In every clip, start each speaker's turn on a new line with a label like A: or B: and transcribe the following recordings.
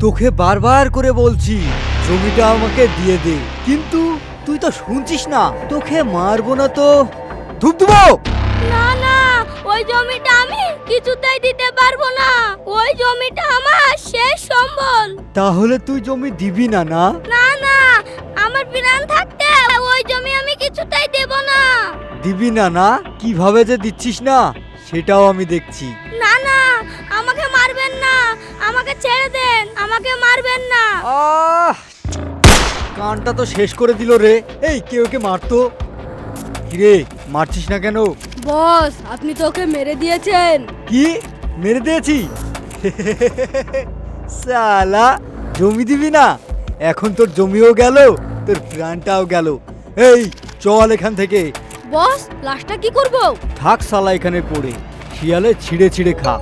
A: তোকে বারবার করে বলছি জমিটা আমাকে দিয়ে দে, কিন্তু তুই তো শুনছিস না। তোকে মারবো না তো ধুপ দেবো।
B: না না, ওই জমিটা আমি কিছুতেই দিতে পারবো না। ওই জমিটা আমার শেষ সম্বল।
A: তাহলে তুই জমি দিবি না? না
B: না না, আমার প্রাণ থাকতে ওই জমি আমি কিছুতেই দেব না।
A: দিবি না? না কিভাবে যে দিচ্ছিস না সেটাও আমি দেখছি।
B: না না, আমাকে মারবেন না, আমাকে ছেড়ে দেন, আমাকে মারবেন না।
A: আহ কানটা তো শেষ করে দিল রে। এই কেউ কে মারতো। কিরে মারছিস না কেন?
B: বস, আপনি তো ওকে মেরে দিয়েছেন।
A: কি মেরে দিয়েছি? সালা জমি দিবি না? এখন তোর জমিও গেল, তোর প্রাণটাও গেল। এই চল এখান থেকে।
B: বস, লাশটা কি করব?
A: থাক সালা এখানে পড়ে, শিয়ালে ছিঁড়ে ছিঁড়ে খা।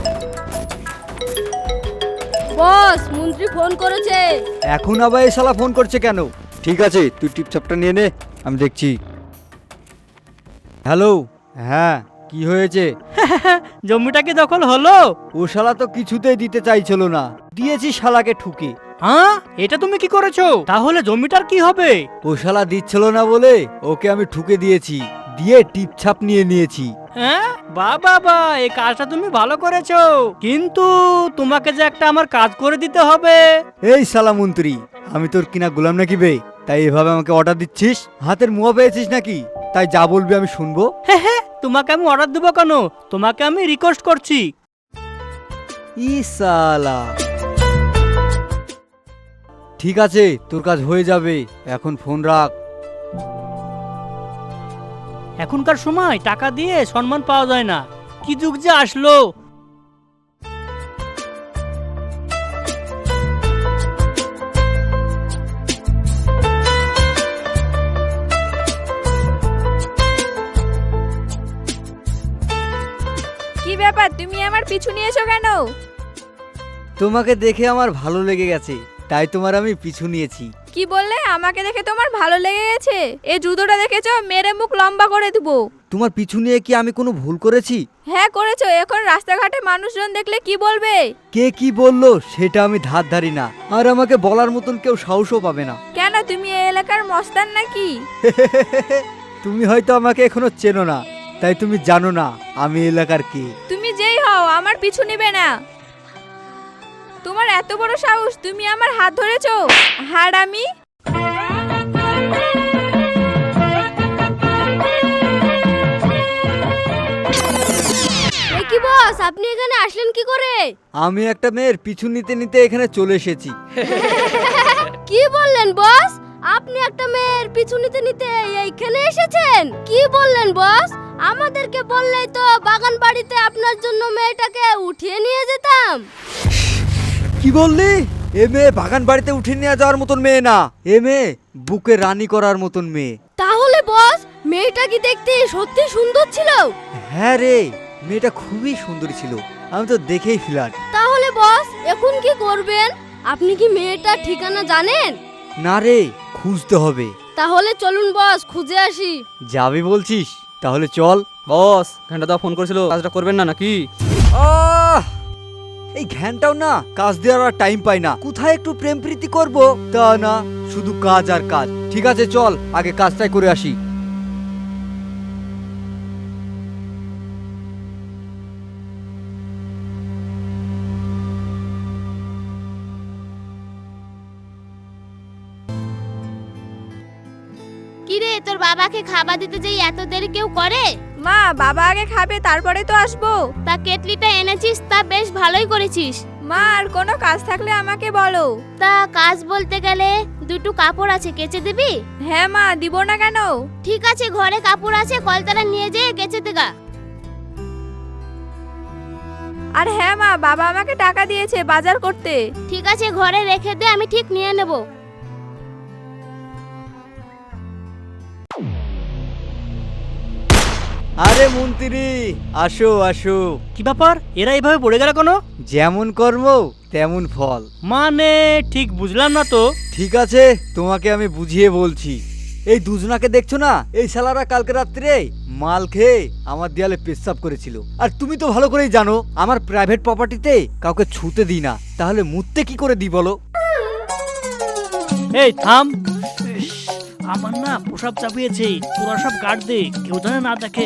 B: বস, মন্ত্রী ফোন করেছে।
A: এখন আবার এই শালা ফোন করছে কেন? ঠিক আছে তুই টিপছাপটা নিয়ে নে, আমি দেখছি। হ্যালো, হ্যাঁ কি হয়েছে?
C: জমিটা কি দখল হলো?
A: ও শালা তো কিছুতেই দিতে চাইছিল না, দিয়েছি শালাকে ঠুকে।
C: হ্যাঁ, এটা তুমি কি করেছো? তাহলে জমিটার কি হবে?
A: ও শালা দিচ্ছিল না বলে ওকে আমি ঠুকে দিয়েছি, দিয়ে টিপছাপ নিয়ে নিয়েছি।
C: হ্যাঁ, বাবা এই কাজটা তুমি ভালো করেছো, কিন্তু তোমাকে যে একটা আমার কাজ করে দিতে হবে।
A: এই শালা মন্ত্রী, আমি তোর কিনা গোলাম নাকি বে? তাই এভাবে আমাকে অর্ডার দিচ্ছিস? হাতের মুয়া পেয়েছিস নাকি? তাই যা বলবি আমি শুনবো।
C: হ্যাঁ, তোমাকে আমি অর্ডার দেবো কেন? তোমাকে আমি রিকোয়েস্ট করছি।
A: ই শালা, ঠিক আছে তোর কাজ হয়ে যাবে, এখন ফোন রাখ।
C: এখনকার সময় টাকা দিয়ে সম্মান পাওয়া যায় না, কি যুগ যে আসলো।
B: কি ব্যাপার, তুমি আমার পিছু নিয়েছো কেন?
A: তোমাকে দেখে আমার ভালো লেগে গেছে, তাই তোমার আমি পিছু নিয়েছি।
B: কি বললে? আমাকে দেখে তোমার ভালো লেগে গেছে? এই জুতোটা দেখেছো? মেরে মুখ লম্বা করে দেবো।
A: তোমার পিছু নিয়ে কি আমি কোনো ভুল করেছি?
B: হ্যাঁ করেছো। এখন রাস্তাঘাটে মানুষজন দেখলে কি বলবে?
A: কে কি বললো সেটা আমি ধার ধারি না, আর আমাকে বলার মতন কেউ সাহসও পাবে না।
B: কেন, তুমি এই এলাকার মস্তান নাকি?
A: তুমি হয়তো আমাকে এখনো চেনো না, তাই তুমি জানো না আমি এলাকার কে।
B: তুমি যেই হও, আমার পিছু নিবে না। তোমার এত বড় সাহস, তুমি আমার হাত ধরেছো? হারামি! কি বস, আপনি এখানে আসলেন কি করে?
A: আমি একটা মেয়ের পিছু নিতে নিতে এখানে চলে এসেছি।
B: কি বললেন বস? আপনি একটা মেয়ের পিছু নিতে নিতে এইখানে এসেছেন? কি বললেন বস? আমাদেরকে বললেই তো বাগান বাড়িতে আপনার জন্য মেয়েটাকে উঠিয়ে নিয়ে যেতাম।
A: কি বললি? এ মেয়ে বাগান বাড়িতে উঠে নিয়ে যাওয়ার মতন মেয়ে না, এ মেয়ে বুকে রানী করার মতন মেয়ে।
B: তাহলে বস, মেয়েটা কি দেখতে সত্যি সুন্দর ছিল?
A: হ্যাঁ রে, মেয়েটা খুবই সুন্দরী ছিল, আমি তো দেখেই ফ্ল্যাট।
B: তাহলে বস, এখন কি করবেন? আপনি কি মেয়েটার ঠিকানা জানেন?
A: না রে, খুঁজতে হবে।
B: তাহলে চলুন বস, খুঁজে আসি।
A: যাবি বলছিস? তাহলে চল।
D: বস, ঘন্টা ফোন করেছিল, কাজটা করবেন না নাকি?
A: আহ এই ঘ্যানটাও না কাজ দেওয়ার আর টাইম পাই না। কোথায় একটু প্রেম প্রীতি করবো তা না, শুধু কাজ আর কাজ। ঠিক আছে চল, আগে কাজটাই করে আসি।
E: কিরে, তোর বাবাকে খাবার দিতে যাই এত দেরি কেউ করে?
B: মা, বাবা আগে খাবে, তারপরে তো আসবো।
E: তা কেটলিটা এনেছিস, তা বেশ ভালোই করেছিস।
B: মা, আর কোনো কাজ থাকলে আমাকে বলো।
E: তা কাজ বলতে গেলে দুটো কাপড় আছে, কেচে দিবি?
B: হ্যাঁ মা, দিব না কেন?
E: ঠিক আছে, ঘরে কাপড় আছে, কলতলা নিয়ে যেয়ে কেচে দেগা।
B: আর হ্যাঁ মা, বাবা আমাকে টাকা দিয়েছে বাজার করতে।
E: ঠিক আছে, ঘরে রেখে দে, আমি ঠিক নিয়ে নেব।
A: আরে মন্ত্রী, আসো আসো।
C: কি ব্যাপার, এরা এইভাবে পড়ে গেল কেন?
A: যেমন কর্ম তেমন ফল।
C: মানে ঠিক বুঝলাম না তো।
A: ঠিক আছে, তোমাকে আমি বুঝিয়ে বলছি। এই দুজনাকে দেখছো না, এই শালারা কালকে রাত্রে মাল খেয়ে আমার দেয়ালে পেশাব করেছিল। আর তুমি তো ভালো করেই জানো আমার প্রাইভেট প্রপার্টিতে কাউকে ছুতে দিই না, তাহলে মুততে কি করে দিই বলো?
C: এই থাম, ইস, আমার না প্রসাব চাপিয়েছে, তোরা সব কাট দে, কেউ জানে না দেখে।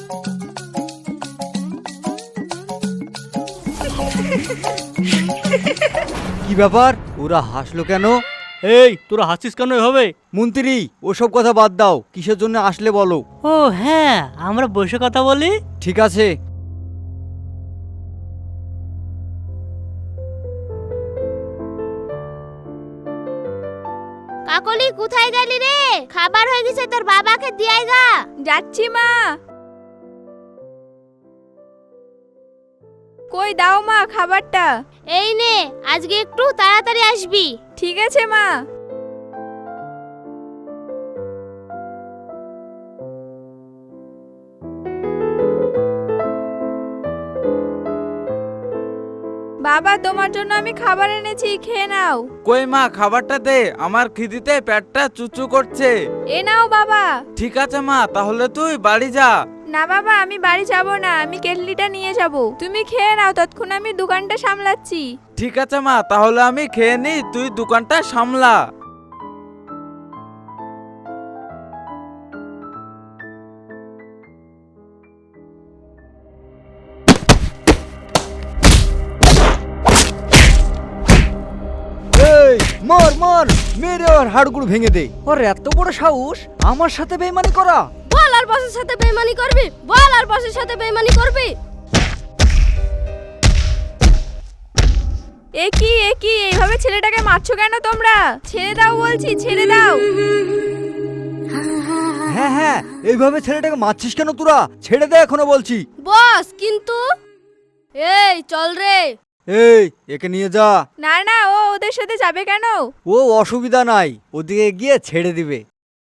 A: কি ব্যাপার, ওরা হাসলো কেন?
C: এই তোরা হাসছিস কেন এভাবে?
A: মন্ত্রী, ওসব কথা বাদ দাও, কিসের জন্য আসলে বলো।
C: ও হ্যাঁ, আমরা বসে কথা বলি।
A: ঠিক আছে।
E: কাকলি কোথায় গেলি রে? খাবার হয়ে গেছে, তোর বাবাকে দিয়াই গা।
B: যাচ্ছি মা। কই দাও মা খাবারটা।
E: এই নে, আজকে একটু তাড়াতাড়ি আসবি।
B: ঠিক আছে মা। বাবা, তোমার জন্য আমি খাবার এনেছি, খেয়ে নাও।
F: কই মা, খাবারটা দে, আমার খিদিতে পেটটা চুচু করছে।
B: এ নাও বাবা।
F: ঠিক আছে মা, তাহলে তুই বাড়ি যা।
B: না বাবা, আমি বাড়ি যাব না, আমি কেটলিটা নিয়ে যাব। তুমি খেয়ে নাও, ততক্ষণ আমি দোকানটা সামলাচ্ছি।
F: ঠিক আছে মা, তাহলে আমি খেয়ে নি, তুই দোকানটা সামলা।
A: এই মার মার, মেরে ওর হাড়গুলো ভেঙে দে। ওর এত বড় সাহস আমার সাথে বেইমানি করা।
B: বল আর বসের সাথে বেইমানি করবি? বল আর বসের সাথে বেইমানি করবি? এ কি এইভাবে ছেলেটাকে মারছো কেন তোমরা? ছেড়ে দাও বলছি, ছেড়ে দাও।
A: হ্যাঁ হ্যাঁ, এইভাবে ছেলেটাকে মারছিস কেন তোরা? ছেড়ে দে এখনো বলছি।
B: বস কিন্তু এই চল রে।
A: এই একে নিয়ে যা।
B: না না, ও ওদের সাথে যাবে কেন?
A: ও অসুবিধা নাই, ওদিকে গিয়ে ছেড়ে দিবে।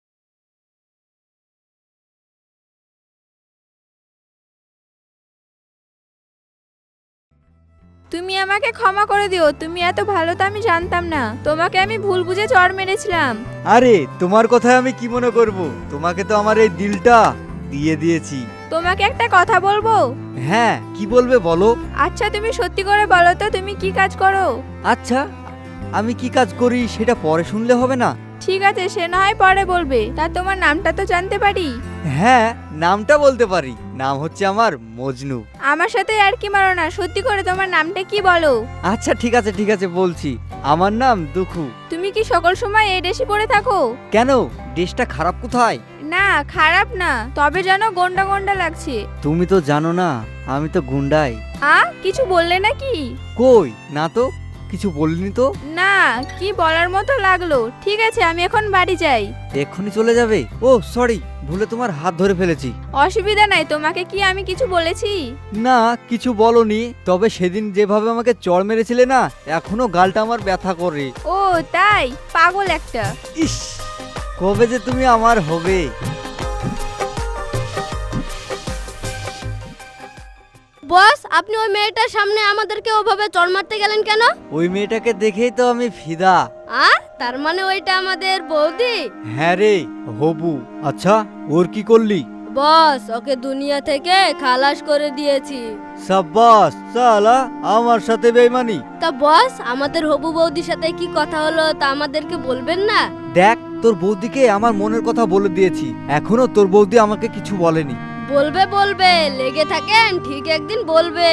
B: তুমি আমাকে ক্ষমা করে দিও, তুমি এত ভালো তো আমি জানতাম না, তোমাকে আমি ভুল বুঝে চড় মেরেছিলাম।
A: আরে তোমার কথায় আমি কি মনে করব, তোমাকে তো আমার এই দিলটা দিয়ে দিয়েছি।
B: তোমাকে একটা কথা বলবো?
A: হ্যাঁ, কি বলবে বলো।
B: আচ্ছা তুমি সত্যি করে বলো তো, তুমি কি কাজ করো?
A: আচ্ছা, আমি কি কাজ করি সেটা পরে শুনলে হবে না?
B: ঠিক আছে, সে না হয় পরে বলবে, তা তোমার নামটা তো জানতে পারি?
A: হ্যাঁ, নামটা বলতে পারি, নাম হচ্ছে আমার মজনু।
B: আমার সাথে আর কি মারো না, সত্যি করে তোমার নামটা কি বলো?
A: আচ্ছা ঠিক আছে বলছি, আমার নাম দুখু।
B: তুমি কি সকল সময় এই ড্রেসই পরে থাকো?
A: কেন, ড্রেসটা খারাপ কোথায়?
B: না খারাপ না, তবে যেন গন্ডা গন্ডা লাগছে।
A: তুমি তো জানো না আমি তো গুন্ডাই।
B: কিছু বললে নাকি?
A: কই না তো, কিছু বলিনি তো।
B: না, কি বলার মতো লাগলো। ঠিক আছে, আমি এখন বাড়ি যাই।
A: এক্ষুনি চলে যাবে? ও সরি, ভুলে তোমার হাত ধরে ফেলেছি।
B: অসুবিধা নাই, তোমাকে কি আমি কিছু বলেছি?
A: না, কিছু বলনি, তবে সেদিন যেভাবে আমাকে চড় মেরেছিলে না, এখনো গালটা আমার ব্যথা করে।
B: ও তাই? পাগল একটা।
A: ইস, কবে যে তুমি আমার হবে।
B: বস, আপনি ওই মেয়েটার সামনে আমাদেরকে ওভাবে চড় মারতে গেলেন কেন?
A: ওই মেয়েটাকে দেখেই তো আমি ফিদা।
B: তার মানে ওইটা আমাদের বৌদি?
A: হ্যাঁ রে, হবু। আচ্ছা, ওর কি করলি?
B: বস, ওকে দুনিয়া থেকে খালাস করে দিয়েছি।
A: সাব্বাস, সালা আমার সাথে বেইমানি।
B: তা বস, আমাদের হবু বৌদির সাথে কি কথা হলো তা আমাদেরকে বলবেন না?
A: দেখ, তোর বৌদিকে আমার মনের কথা বলে দিয়েছি, এখনো তোর বৌদি আমাকে কিছু বলেনি।
B: বলবে, লেগে থাকেন, ঠিক একদিন বলবে।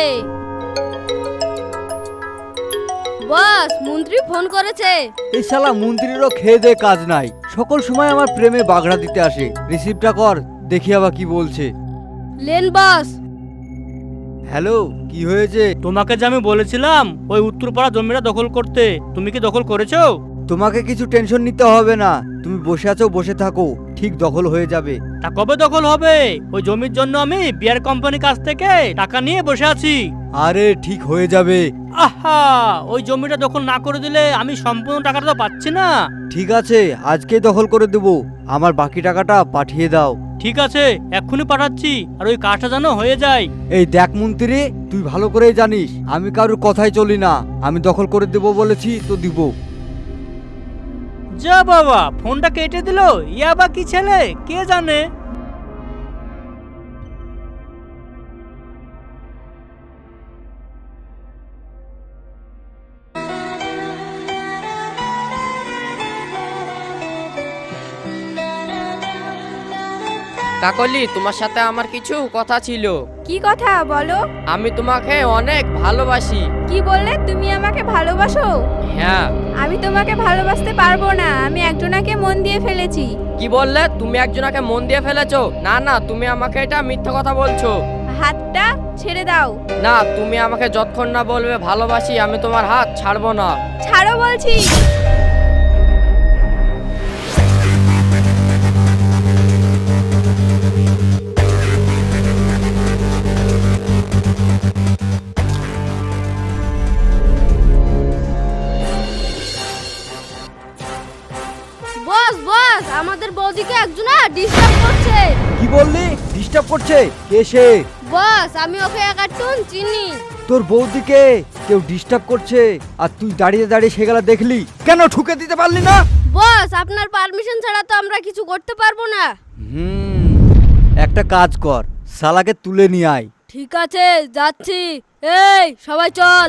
B: বস, মন্ত্রী ফোন করেছে।
A: এই শালা মন্ত্রীরও খেয়ে দে কাজ নাই, সকল সময় আমার প্রেমে বাগড়া দিতে আসে। রিসিভটা কর, দেখি আবার কি বলছে।
B: লেন বস।
A: হ্যালো, কি হয়েছে?
C: তোমাকে যে আমি বলেছিলাম ওই উত্তরপাড়া জমিটা দখল করতে, তুমি কি দখল করেছো?
A: তোমাকে কিছু টেনশন নিতে হবে না, তুমি বসে আছো, বসে থাকো, ঠিক দখল হয়ে যাবে।
C: তা কবে দখল হবে? ওই জমির জন্য আমি বিয়ার কোম্পানির কাছ থেকে টাকা নিয়ে বসে আছি।
A: আরে ঠিক হয়ে যাবে।
C: আহা, ওই জমিটা দখল না করে দিলে আমি সম্পূর্ণ টাকাটা তো পাচ্ছি না।
A: ঠিক আছে, আজকেই দখল করে দেব, আমার বাকি টাকাটা পাঠিয়ে দাও।
C: ঠিক আছে, এক্ষুনি পাঠাচ্ছি, আর ওই কাজটা যেন হয়ে যায়।
A: এই দেখ মন্ত্রী, তুই ভালো করেই জানিস আমি কারোর কথাই চলি না, আমি দখল করে দেব বলেছি তো দিব।
C: যা বাবা, ফোনটা কেটে দিল। ইয়া বা কি ছেলে, কে জানে।
G: কাকলি, তোমার সাথে আমার কিছু কথা ছিল।
H: কি কথা বলো?
G: আমি তোমাকে অনেক ভালোবাসি।
H: কি বললে? তুমি আমাকে ভালোবাসো?
G: হ্যাঁ।
H: আমি তোমাকে ভালোবাসতে পারবো না, আমি একজনাকে মন দিয়ে ফেলেছি।
G: কি বললে? তুমি একজনকে মন দিয়ে ফেলেছো? না না, তুমি আমাকে এটা মিথ্যা কথা বলছো।
H: হাতটা ছেড়ে দাও।
G: না, তুমি আমাকে যতক্ষণ না বলবে ভালোবাসি, আমি তোমার হাত ছাড়বো না।
H: ছাড়ো বলছি।
B: বস বস, আমাদের বৌদিকে একজনা ডিস্টার্ব করছে।
A: কি বললি? ডিস্টার্ব করছে? কে সে?
B: বস, আমি ওকে একাটুন চিনি।
A: তোর বৌদিকে কেউ ডিস্টার্ব করছে আর তুই দাঁড়িয়ে দাঁড়িয়ে সেগুলা দেখলি? কেন ঠুকে দিতে পারলি না?
B: বস, আপনার পারমিশন ছাড়া তো আমরা কিছু করতে পারবো না।
A: একটা কাজ কর, শালাকে তুলে নিয়ে আয়।
B: ঠিক আছে, যাচ্ছি। এই সবাই চল।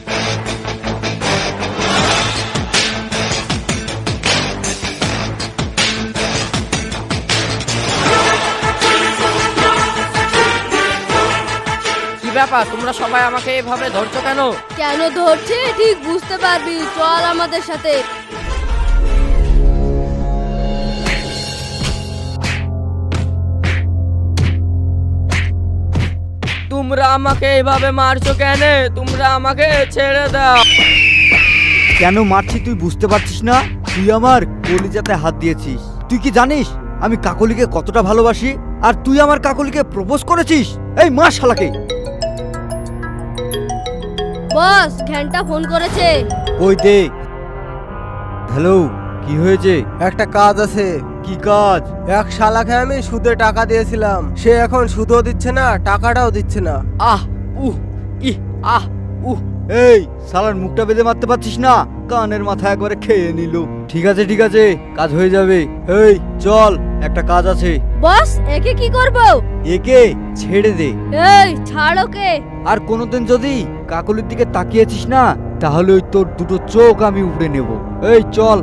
G: কি ব্যাপার, তোমরা সবাই আমাকে এভাবে ধরছো কেন?
B: কেন ধরছি ঠিক বুঝতে পারবি, চল আমাদের সাথে।
G: তোমরা আমাকে এভাবে মারছো কেন? তোমরা আমাকে ছেড়ে দাও।
A: কেন মারছি তুই বুঝতে পারছিস না? তুই আমার কলিজাতে হাত দিয়েছিস। তুই কি জানিস আমি কাকলিকে কতটা ভালোবাসি? আর তুই আমার কাকলিকে প্রপোজ করেছিস? এই মার শালাকে।
B: বস, ঘন্টা ফোন করেছে।
A: কই দে। হ্যালো, কি হয়েছে?
I: একটা কাজ আছে।
A: কি কাজ?
I: এক শালাকে আমি সুদে টাকা দিয়েছিলাম, সে এখন সুদও দিচ্ছে না, টাকাটাও দিচ্ছে না।
G: আহ উহ ইহ আহ উহ।
A: এই শালার মুখটা বেঁধে মারতে পারছিস না? কানের মাথা একবারে খেয়ে নিল। ঠিক আছে ঠিক আছে, কাজ হয়ে যাবে। এই চল, একটা কাজ আছে।
B: বস, একে কি করব?
A: একে ছেড়ে দে।
B: এই ছাড় ওকে।
A: আর কোনোদিন যদি কাকলির দিকে তাকিয়েছিস না, তাহলে ওই তোর দুটো চোখ আমি উপড়ে নেব। এই চল।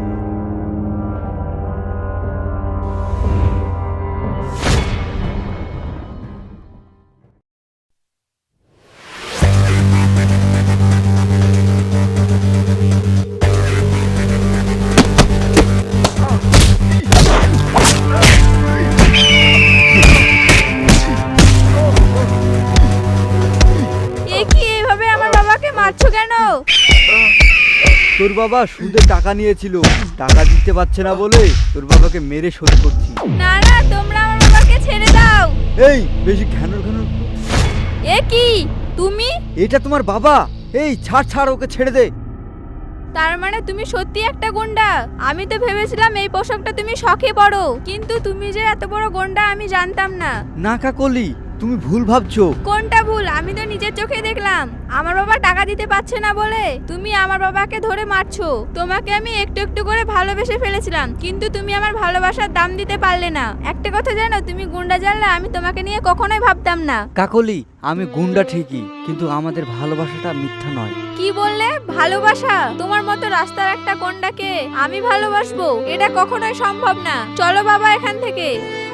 H: এ কি, এভাবে আমার বাবাকে মারছো কেন?
A: তোর বাবা সুদে টাকা নিয়েছিল, টাকা দিতে পারছে না বলে তোর বাবাকে মেরে শোধ করছি।
H: না না, তোমরা আমার বাবাকে ছেড়ে দাও।
A: এই বেশি ঘ্যানর ঘ্যানর।
H: এ কি, তুমি?
A: এটা তোমার বাবা। এই ছাড় ছাড়, ওকে ছেড়ে দে।
H: তার মানে তুমি সত্যি একটা গুন্ডা? আমি তো ভেবেছিলাম এই পোশাকটা তুমি শখে পড়ো, কিন্তু তুমি যে এত বড় গুন্ডা আমি জানতাম না।
A: না কাকলি, তুমি ভুল ভাবছো।
H: কোনটা ভুল? আমি তো নিজের চোখে দেখলাম আমার বাবা টাকা দিতে পারছে না বলে তুমি আমার বাবাকে ধরে মারছো। তোমাকে আমি একটু একটু করে ভালোবেসে ফেলেছিলাম, কিন্তু তুমি আমার ভালোবাসার দাম দিতে পারলে না। একটা কথা জানো, তুমি গুন্ডা জানলে আমি তোমাকে নিয়ে কখনোই ভাবতাম না।
A: কাকলি, আমি গুন্ডা ঠিকই, কিন্তু আমাদের ভালোবাসাটা মিথ্যা নয়।
H: কি বললে? ভালোবাসা? তোমার মতো রাস্তার একটা গুন্ডাকে আমি ভালোবাসবো? এটা কখনোই সম্ভব না। চলো বাবা এখান থেকে।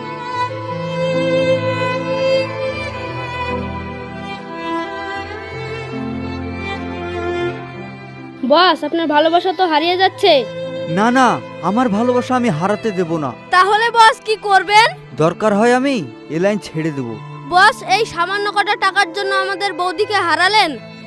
B: বস, আপনার ভালোবাসা তো হারিয়ে যাচ্ছে।
A: না না, আমার ভালোবাসা আমি হারাতে দেব না।
B: তাহলে বস কি করবেন?
A: দরকার হয় আমি এ লাইন ছেড়ে দেব।
B: বস, এই সামান্য কটা টাকার জন্য আমাদের বৌদিকে হারালেন।